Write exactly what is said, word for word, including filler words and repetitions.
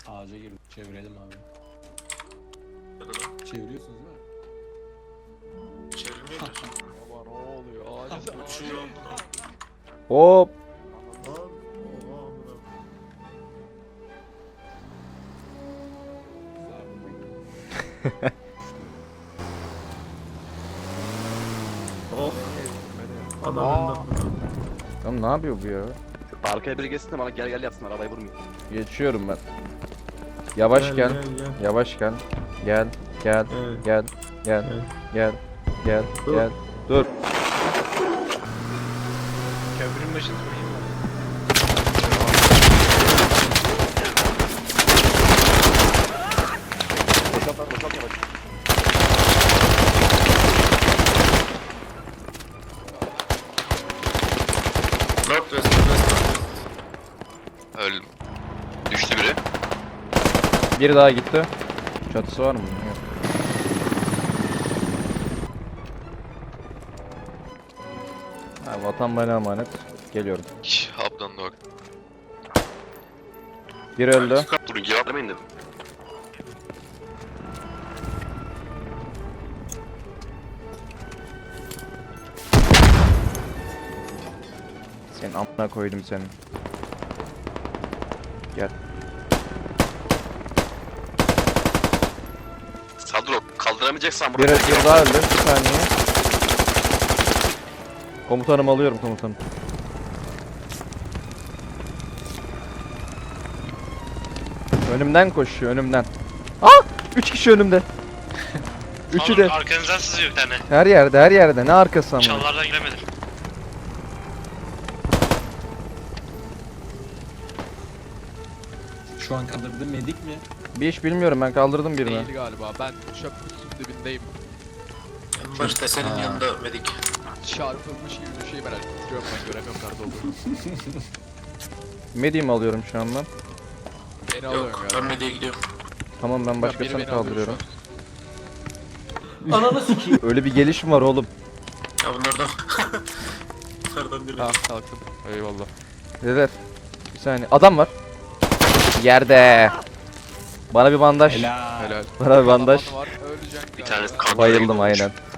Ağaca girdim. Çevirelim abi. Çeviriyorsunuz değil mi? Çevirmiyor da. Baba ne oluyor? Ağaca Uçuyor. Hop. Oh. Adam Aa. Oğlum ne yapıyor bu ya? Arkaya biri geçsin de bana gel gel yapsın arabayı vurmayayım. Geçiyorum ben. Yavaş gel. Gel gel. Yavaş gel. Gel. Gel. Evet. Gel. Gel. Evet. Gel. Gel. Dur. Gel. Dur. Köprünün başını vurayım mı? Boşalt lan boşalt yavaş. Northwest, Northwest. Öldüm. Düştü biri. Biri daha gitti. Çatısı var mı? Yok. Ha, vatan bana emanet. Geliyorum. Şş, Haptan da bak. Biri öldü. Durun cevap demeyin dedim. Senin amına koydum seni. Gel. Sadro kaldıramayacaksan Bir, burada. bir daha öldü. Bir saniye. Komutanım alıyorum komutanım. Önümden koşuyor önümden. Ah! Üç kişi önümde. Üçü de. Arkanızdan sızıyor bir tane. Her yerde her yerde. Ne arkası ama. Çalılardan giremedim. Şu an kaldırdı medik mi? Bir iş bilmiyorum, ben kaldırdım birini. Değil galiba. Ben çöp kutusunun dibindeyim. En başta senin Ha. yanında medik. Çarpılmış gibi bir şey merak ediyorum ben göremiyorum nerede olduğunu. Medium alıyorum şu an ben. Beni alıyorum Yok, ya. ben mediye gidiyorum. Tamam, ben Biri başkasını beni alıyor kaldırıyorum. şu an. Ananı sikeyim. Öyle bir gelişim var oğlum. Ya bunlardan. Bunlardan biri. Ha kalktım. Eyvallah. Neler? Bir saniye. Adam var. Yerde. Bana bir bandaj. Helal. Helal. Bana bir bandaj. Adam var, öleceksin Bir galiba. tanesi kan- Bayıldım aynen.